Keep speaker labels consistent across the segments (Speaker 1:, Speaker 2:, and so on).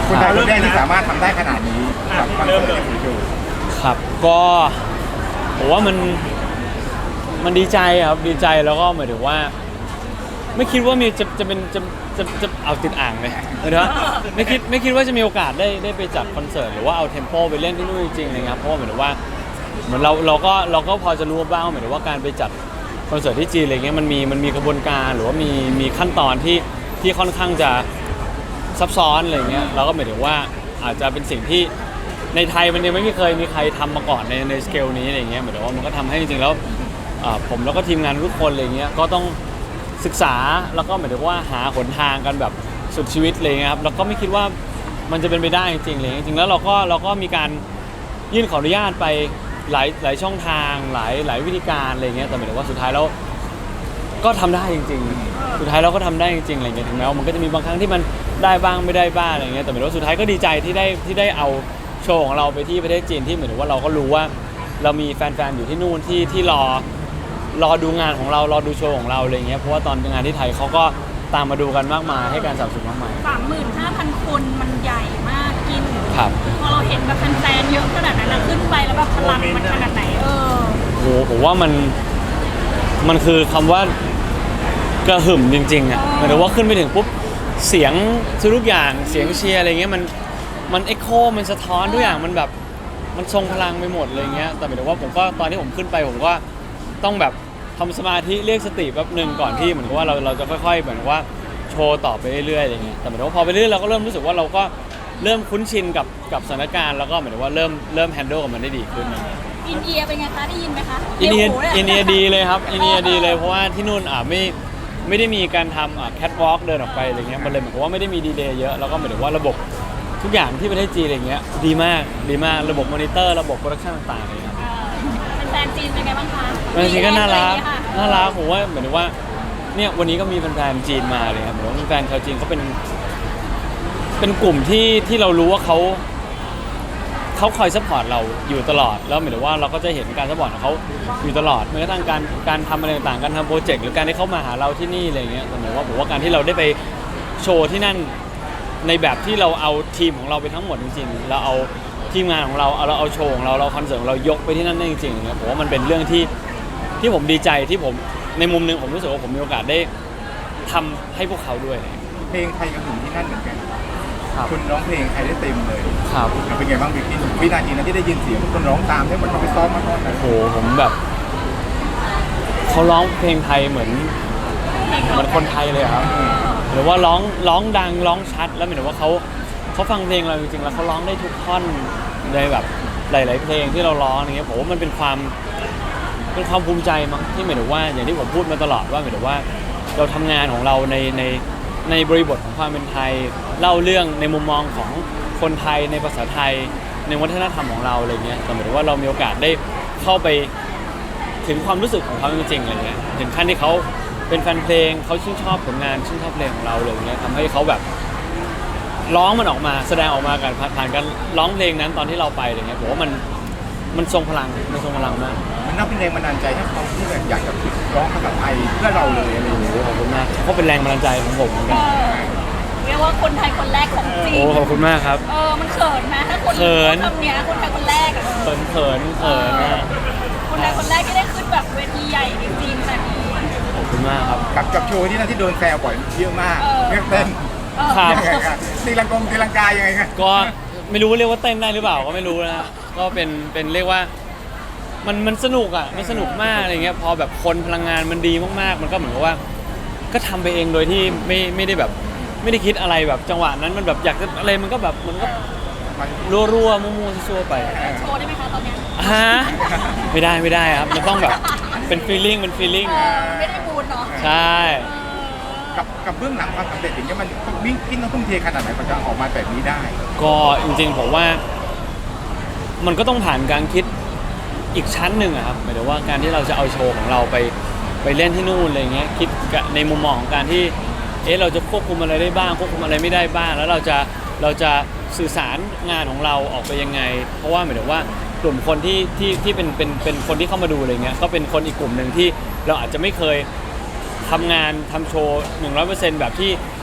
Speaker 1: คนไทยคนแรกที่สามารถทำได้ขนาดนี้กับคอนเสิร์ตที่ผมดู
Speaker 2: ครับก็ผมว่ามันดีใจครับดีใจแล้วก็หมายถึงว่าไม่คิดว่ามีจะเป็นจะเอาติดอ่างเลยนะไม่คิดว่าจะมีโอกาสได้ไปจัดคอนเสิร์ตหรือว่าเอาเทมโปไปเล่นที่นู่นจริงๆเลยครับเพราะว่าหมายถึงว่าเหมือนเราก็พอจะรู้บ้างหมายถึงว่าการไปจัดคอนเสิร์ตที่จีนอะไรเงี้ยมันมีกระบวนการหรือว่ามีขั้นตอนที่ค่อนข้างจะซับซ้อนอะไรเงี้ยเราก็หมายถึงว่าอาจจะเป็นสิ่งที่ในไทยมันยังไม่เคยมีใครทำมาก่อนในสเกลนี้อะไรเงี้ยหมายถึงว่ามันก็ทำให้จริงๆแล้วผมแล้วก็ทีมงานทุกคนอะไรเงี้ยก็ต้องศึกษาแล้วก็หมายถึงว่าหาหนทางกันแบบสุดชีวิตเลยครับแล้วก็ไม่คิดว่ามันจะเป็นไปได้จริงๆเลยจริงๆแล้วเราก็มีการยื่นขออนุญาตไปหลายช่องทางหลายวิธีการอะไรเงี้ยแต่หมายถึงว่าสุดท้ายแล้วก็ทำได้จริงๆสุดท้ายเราก็ทำได้จริงๆอะไรเงี้ยถึงแม้ว่ามันก็จะมีบางครั้งที่มันได้บ้างไม่ได้บ้างอะไรเงี้ยแต่หมายถึงว่าสุดท้ายก็ดีใจที่ได้เอาโชว์ของเราไปที่ประเทศจีนที่หมายถึงว่าเราก็รู้ว่าเรามีแฟนๆอยู่ที่นู่นที่รอดูงานของเรารอดูโชว์ของเราอะไรเงี้ยเพราะว่าตอนงานที่ไทยเขาก็ตามมาดูกันมากมายให้การสนับสนุนมากมาย
Speaker 3: 35,000 คนมันใหญ่มากกิน
Speaker 2: ครับ
Speaker 3: พอเราเห็นแบบแฟนๆเยอะขนาดนั้นขึ้นไปแล้วแบบพลังมันขนาดไหน
Speaker 2: โอ้โหผมว่ามันคือคำว่ากระหึ่มจริงๆอ่ะหมายถึงว่าขึ้นไปถึงปุ๊บเสียงทุกอย่างเสียงเชียร์อะไรเงี้ยมันเอ็กโคมันสะท้อนทุกอย่างมันแบบมันทรงพลังไปหมดเลยเงี้ยแต่หมายถึงว่าผมก็ตอนที่ผมขึ้นไปผมก็ต้องแบบทำสมาธิเรียกสติแป๊บนึงก่อนที่เหมือนกับว่าเราจะค่อยๆเหมือนว่าโชว์ต่อไปเรื่อยๆอะไรเงี้ยแต่หมายถึงว่าพอไปเรื่อยเราก็เริ่มรู้สึกว่าเราก็เริ่มคุ้นชินกับสถานการณ์แล้วก็หมายถึงว่าเริ่มแฮนเดิลกับมันได้ดีขึ้น
Speaker 3: อินเดียเป็นไงคะได้ยินไหมคะ
Speaker 2: อินเดียดีเลยครับอินเดียดีเลยเพราะว่าที่นู่นไม่ได้มีการทำแคทวอล์กเดินออกไปอะไรเงี้ยมันเลยเหมือนกับว่าไม่ได้มีดีเลย์เยอะแล้วก็หมายถึงว่าระบบทุกอย่างที่ประเทศจีนอะไรเงี้ยดีมากระบบมอนิเตอร์ระบบโปรดักชั่นต่างๆเลยครับ
Speaker 3: แฟนจีนเป็นไงบ้างคะ
Speaker 2: แฟนจีนก็น่ารักผมว่าเหมือนว่าเนี่ยวันนี้ก็มีแฟนจีนมาเลยครับเหมือนว่าแฟนชาวจีนเขาเป็นกลุ่มที่เรารู้ว่าเขาคอยซัพพอร์ตเราอยู่ตลอดแล้วหมายถึงว่าเราก็จะเห็นการซัพพอร์ตของเขาอยู่ตลอดไม่กระทั่งการทำอะไรต่างๆการทำโปรเจกต์หรือการที่เขามาหาเราที่นี่อะไรเงี้ยแต่หมายว่าผมว่าการที่เราได้ไปโชว์ที่นั่นในแบบที่เราเอาทีมของเราไปทั้งหมดจริงๆเราเอาทีมงานของเราเอาโชว์ของเราคอนเสิร์ตของเรายกไปที่นั่นได้จริงๆเนี่ยผมว่ามันเป็นเรื่องที่ผมดีใจที่ผมในมุมนึงผมรู้สึกว่าผมมีโอกาสได้ทำให้พวกเขาด้วย
Speaker 1: เพลงไทยกับหนุ่มที่นั่นเหมือนกันคุณร้องเพลงไทยได้เต็มเลย
Speaker 2: ครับ
Speaker 1: เป็นไงบ้างบิ๊กวินาทีนั้นที่ได้ยินเสียงทุกคนร้องตามที่มันเขาไปซ้อมมาก่อน
Speaker 2: โอ้โหผมแบบเขาร้องเพลงไทยเหมือนคนไทยเลยครับหรือว่าร้องดังร้องชัดแล้วหมายถึงว่าเขาฟังเพลงเราจริงๆแล้วเขาร้องได้ทุกท่อนในแบบหลายๆเพลงที่เราร้องอย่างเงี้ยผมว่ามันเป็นความภูมิใจมั้งที่หมายถึงว่าอย่างที่ผมพูดมาตลอดว่าหมายถึงว่าเราทำงานของเราในบริบทของความเป็นไทยเล่าเรื่องในมุมมองของคนไทยในภาษาไทยในวัฒนธรรมของเราอะไรเงี้ยแต่หมายถึงว่าเรามีโอกาสได้เข้าไปถึงความรู้สึกของเขาจริงๆอะไรเงี้ยถึงขั้นที่เขาเป็นแฟนเพลงเขาชื่นชอบผลงานชื่นชอบเพลงของเราเลยเงี้ยทำให้เขาแบบร้องมันออกมาแสดงออกมากันผ่านการร้องเพลงนั้นตอนที่เราไปอะไรเงี้ยผมว่ามันทรงพลังมาก
Speaker 1: มันน่าเป็นแรงบันดาลใจให้เขาที่แบบอยากจะร้องภาษาไทยเพื่อเราเลยอะไรอย่างเงี้ย
Speaker 2: ขอบคุณมากเขาเป็นแรงบันดาลใจของผมเหมือนกัน
Speaker 3: เรียกว่าคนไทยคนแรกของจีน
Speaker 2: โอ้ขอบคุณมากครับ
Speaker 3: มันเขินนะถ้าคนทำเนี้ยคนไทยคนแรก
Speaker 2: เขินนะ
Speaker 3: คนไทยคนแรกที่ได้ขึ้นแบบเวทีใหญ่ในจีนแบบนี้
Speaker 2: ขอบคุณมากครับ
Speaker 1: กับโชว์ที่นั่นที่โดนแซวบ่อยเยอะมากเต้นตีลังกายังไงครับ
Speaker 2: ก็ไม่รู้เรียกว่าเต้นได้หรือเปล่าก็ไม่รู้นะก็เป็นเรียกว่ามันสนุกอ่ะมันสนุกมากอะไรเงี้ยพอแบบคนพลังงานมันดีมากๆมันก็เหมือนกับว่าก็ทำไปเองโดยที่ไม่ได้แบบไม่ได้คิดอะไรแบบจังหวะนั้นมันแบบอยากจะอะไรมันก็แบบมันก็รัวมั่วๆซั่วไป
Speaker 3: โชว์ได้ไหมคะตอนนี้
Speaker 2: ฮะไม่ได้ครับมันต้องแบบเป็นฟีลลิ่ง
Speaker 3: ไม่ได้บูนเนาะ
Speaker 2: ใช่
Speaker 1: กับเบื้องหลังความสำเร็จอย่างเงี้ยมันวิ่งกินต้องทุ่มเทขนาดไหนมันจะออกมาแบบนี้ได้
Speaker 2: ก็จริงๆผมว่ามันก็ต้องผ่านการคิดอีกชั้นหนึ่งอะครับหมายถึงว่าการที่เราจะเอาโชว์ของเราไปเล่นที่นู่นอะไรเงี้ยคิดในมุมมองของการที่เราจะควบคุมอะไรได้บ้างควบคุมอะไรไม่ได้บ้างแล้วเราจะสื่อสารงานของเราออกไปยังไงเพราะว่าหมายถึงว่ากลุ่มคนที่เป็นคนที่เข้ามาดูอะไรเงี้ยก็เป็นคนอีกกลุ่มหนึ่งที่เราอาจจะไม่เคยทำงานทำโชว์ 100% แบบที่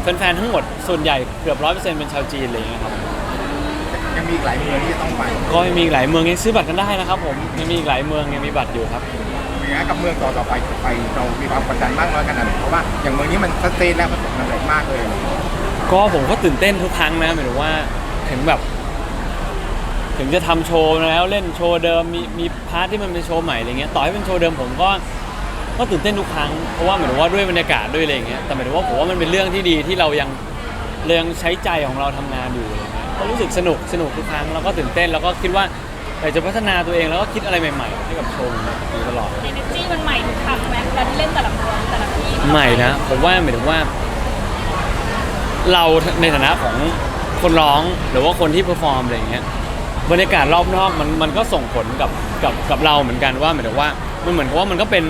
Speaker 2: แฟนๆทั้งหมดส่วนใหญ่เกือบ 100% เป็นชาวจีนอะไรอย่างเงี้ยครับ
Speaker 1: ยังมีอีกหลายเมืองที่จะต้องไป
Speaker 2: ก็ยังมีอีกหลายเมืองยังซื้อบัตรกันได้นะครับผมยังมีอีกหลายเมืองยังมีบัตรอยู่ครับ
Speaker 1: อย่างนี้กับเมืองต่อไปเรามีความกดดันมากน้อยขนาดไหนเพราะว่าอย่างเมืองนี้มันชัดเจนแล้วประสบความสำเร็จมากเลย
Speaker 2: ก็ผมก็ตื่นเต้นทุกครั้งนะหมายถึงว่าถึงแบบถึงจะทำโชว์แล้วเล่นโชว์เดิมมีพาร์ทที่มันเป็นโชว์ใหม่อะไรเงี้ยต่อให้เป็นโชว์เดิมผมก็ตื่นเต้นทุกครั้งเพราะว่าหมายถึงว่าด้วยบรรยากาศด้วยอะไรเงี้ยแต่หมายถึงว่าผมว่ามันเป็นเรื่องที่ดีที่เรายังใช้ใจของเราทำงานอยู่อะไรเงี้ยก็รู้สึกสนุกทุกครั้งแล้วก็ตื่นเต้นแล้วก็คิดว่าอยากจะพัฒนาตัวเองแล้วก็คิดอะไรใหม่ๆให้กับโชว์อยู่ตลอด
Speaker 3: เอเนจีมันใหม่ทุกครั้งไหมเวลาที่เล่นแต่ละเมืองแต่ละที่
Speaker 2: ใหม่นะผมว่าหมายถึงว่าเราในฐานะของคนร้องหรือว่าคนที่เพอร์ฟอร์มอะไรอย่างเงี้ยบรรยากาศรอบนอกมันก็ส่งผลกับเราเหมือนกันว่าหมายถึงว่ามันเหมือนกับว่ามันก็เป็น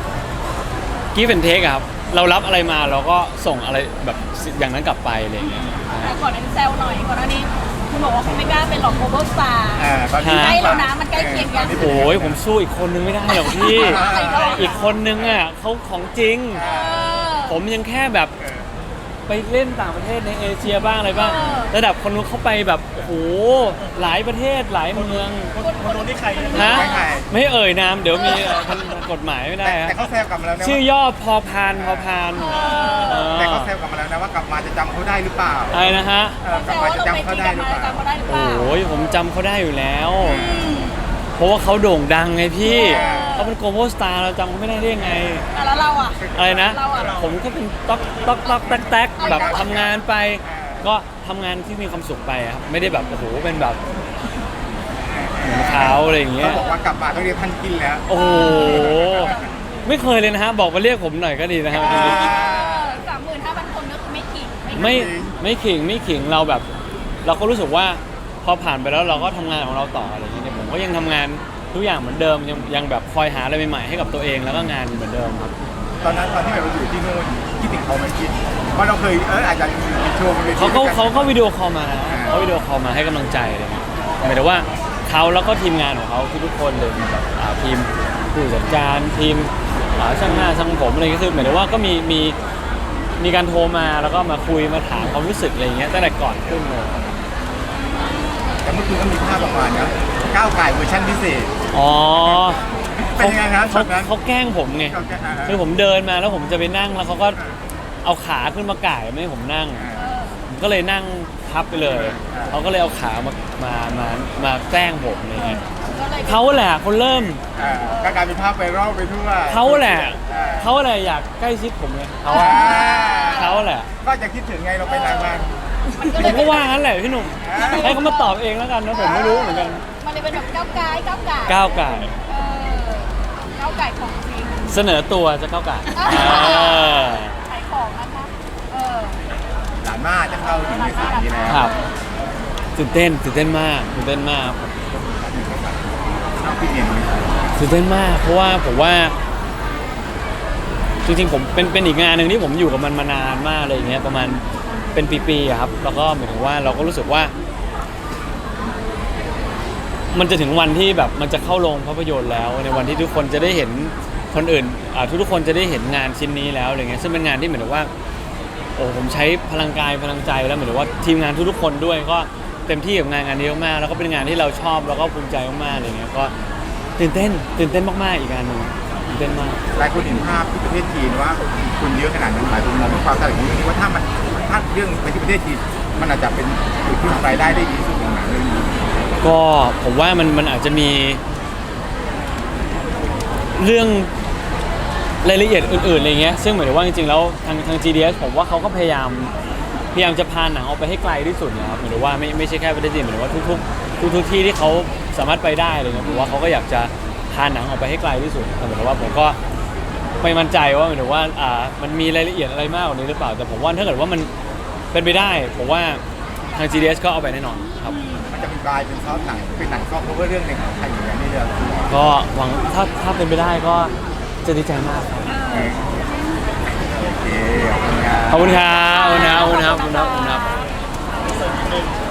Speaker 2: give and take อะครับเรารับอะไรมาเราก็ส่งอะไรแบบอย่างนั้นกลับไปอะไรอย่างเงี้ย
Speaker 3: แต่ก่อนนั้นแซวหน่อยก่อนหน้านี้คุณบอกว่าคุณไม่กล้าเป็นหลอกโกลบอลสตาร์
Speaker 1: ตอนนี้
Speaker 3: ใกล้แล้วนะมันใกล้เคียงกัน
Speaker 2: โอ้ยผมสู้อีกคนนึงไม่ได้หรอกพี่ อีกคนนึงอ่ะเขาของจริง ผมยังแค่แบบไปเล่นต่างประเทศในเอเชียบ้างอะไรบ้างระดับคนนู้นเขาไปแบบโอ้โหหลายประเทศหลายเมือง
Speaker 3: คนนู้นที่ใคร
Speaker 2: ฮะไม่เอ่ยนามเดี๋ยวมีกฎหมายไม่ได้ฮะ
Speaker 1: แต่เขาแซวกลับมาแล้วนะ
Speaker 2: ชื่อย่อพอพาน
Speaker 1: แต่เขาแซวกลับมาแล้วนะว่ากลับมาจะจำเขาได้หรือเปล่า
Speaker 2: อะไรนะฮะ
Speaker 1: กลับมาจะจำเขาได้หรือเปล่า
Speaker 3: จำเขาได้หรือเปล่า
Speaker 2: โอ้ยผมจำเขาได้อยู่แล้ว เพราะว่าเขาโด่งดังไงพี่เขาเป็นโกลบอลสตาร์เราจำเขาไม่ได้ได้ยังไง
Speaker 3: แล้วเราอ่ะ
Speaker 2: อะไรนะ
Speaker 3: เราอะ
Speaker 2: ผมก็เป็นต๊อกแต๊กแบบทำงานไป ก็ทำงานที่มีความสุขไปอะครับไม่ได้แบบโอ้โหเป็นแบบเหมือนเขาอะไรอย่างเงี้
Speaker 1: เขา
Speaker 2: ย
Speaker 1: บอกว่ากลับมาต้องเรียกท่านกินแล้ว
Speaker 2: โอ้โหไม่เคยเลยนะฮะบอกมาเรียกผมหน่อยก็ดีนะครับ
Speaker 3: 35,000 คนก็คือไม่ขิง
Speaker 2: ไม่ขิงเราแบบ เราก็รู้สึกว่าพอผ่านไปแล้วเราก็ทำงานของเราต่ออะไรอย่างเงี้ยผมก็ยังทำงานทุกอย่างเหมือนเดิมยังแบบคอยหาอะไรใหม่ๆให้กับตัวเองแล้วก็งานเหมือนเดิมครับ
Speaker 1: ตอนที่เราอยู่ที่นู่นคิดถึงเขาไหมคิดว่าเราเคยอาจจะมีโชว์บนเวที
Speaker 2: เขาก็วิดีโอคอลมานะเขาวิดีโอคอลมาให้กำลังใจอะไรเงี้ยหมายถึงว่าเขาแล้วก็ทีมงานของเขาทุกคนเลยแบบทีมผู้จัดการทีมช่างหน้าช่างผมอะไรก็คือหมายถึงว่าก็มีการโทรมาแล้วก็มาคุยมาถามความรู้สึกอะไรเงี้ยตั้งแต่ก่อนขึ้นเลย
Speaker 1: แต่เมื่อคืนก็มีภาพออกมานะก้าวไก่เวอร์ชันพิเศษ
Speaker 2: อ๋อ
Speaker 1: เป็นยังไงครับช็อตนั้น
Speaker 2: เขาแกล้งผมไงคือผมเดินมาแล้วผมจะไปนั่งแล้วเขาก็เอาขาขึ้นมาก่ายไม่ให้ผมนั่ง ผมก็เลยนั่งพับไปเลย เขาก็เลยเอาขามาแกล้งผมอะไรเงี้ยเขาแหละคนเริ่ม
Speaker 1: ก็กลายเป็นภาพไวรัลไปทั่ว
Speaker 2: เขาแหละอยากใกล้ชิดผมไงเขาแหละ
Speaker 1: ก็จะคิดถึงไงเราไปนานมาก
Speaker 2: ผมก็ว่างั้นแหละพี่หนุ่มให้เขามาตอบเองแล้วกันนะผมไม่รู้เหมือนกัน
Speaker 3: มันเลยเป็นแบบก้าวไก่
Speaker 2: ก้าวไก่
Speaker 3: ก้าวไก่ของจริง
Speaker 2: เสนอตัวจะก้าวไก่
Speaker 3: ขายของนะคะ
Speaker 1: หลานมาจะเข้าถึงในสายนี้แล้ว
Speaker 2: ครับตื่นเต้นมาก
Speaker 1: เอาพี่เอ็น
Speaker 2: ตื่นเต้นมากเพราะว่าผมว่าจริงๆผมเป็นอีกงานหนึ่งที่ผมอยู่กับมันมานานมากเลยอย่างเงี้ยประมาณเป็นปีๆอะครับแล้วก็หมายถึงว่าเราก็รู้สึกว่า มันจะถึงวันที่แบบมันจะเข้าโรงภาพยนตร์แล้วในวันที่ทุกคนจะได้เห็นคนอื่นทุกคนจะได้เห็นงานชิ้นนี้แล้วอะไรเงี้ยซึ่งเป็นงานที่เหมือนกับว่าโอ้ผมใช้พลังกายพลังใจแล้วเหมือนกับว่าทีมงานทุกๆคนด้วยก็เต็มที่กับงานนี้มากๆแล้วก็เป็นงานที่เราชอบแล้วก็ภูมิใจมากๆอะไรเงี้ยก็ตื่นเต้นมากๆอีกงานหนึ่งตื่นเต้นมาก
Speaker 1: หลายคนเห็นภาพที่ประเทศจีนว่าคนเยอะขนาดนั้นหลายคนมองว่าความสำเร็จของเรื่องนี้ว่าถ้าเรื่องไปที่ประเทศจีนมันอาจจะเป็นจุดที่รายได้ได้ดีสุดของหนังเรื่องนี้
Speaker 2: ก็ผมว่ามันอาจจะมีเรื่องรายละเอียดอื่นๆอะไรเงี้ยซึ่งหมายถึงว่าจริงๆแล้วทาง GDS ผมว่าเขาก็พยายามจะพาหนังออกไปให้ไกลที่สุดนะครับหมายถึงว่าไม่ใช่แค่ประเทศจีนหมายถึงว่าทุกที่ที่เขาสามารถไปได้อะไรเงี้ยผมว่าเขาก็อยากจะพาหนังออกไปให้ไกลที่สุดแต่หมายถึงว่าผมก็ไม่มั่นใจว่าหมายถึงว่ามันมีรายละเอียดอะไรมากกว่านี้หรือเปล่าแต่ผมว่าถ้าเกิดว่ามันเป็นไปได้ผมว่าทาง GDS ก็เอาไปแน่นอนครับ
Speaker 1: มันจะเป็นกลายเป็นซอฟต์หนังเป็นหนังซอฟต์เพราะว่าเรื่องหนึ่งของไทยอย่างนี้เลย
Speaker 2: ก็หวังถ้าเป็นไปได้ก็จะดีใจมากครับ
Speaker 1: โอเคขอบคุณครับ
Speaker 2: ขอบคุณครับ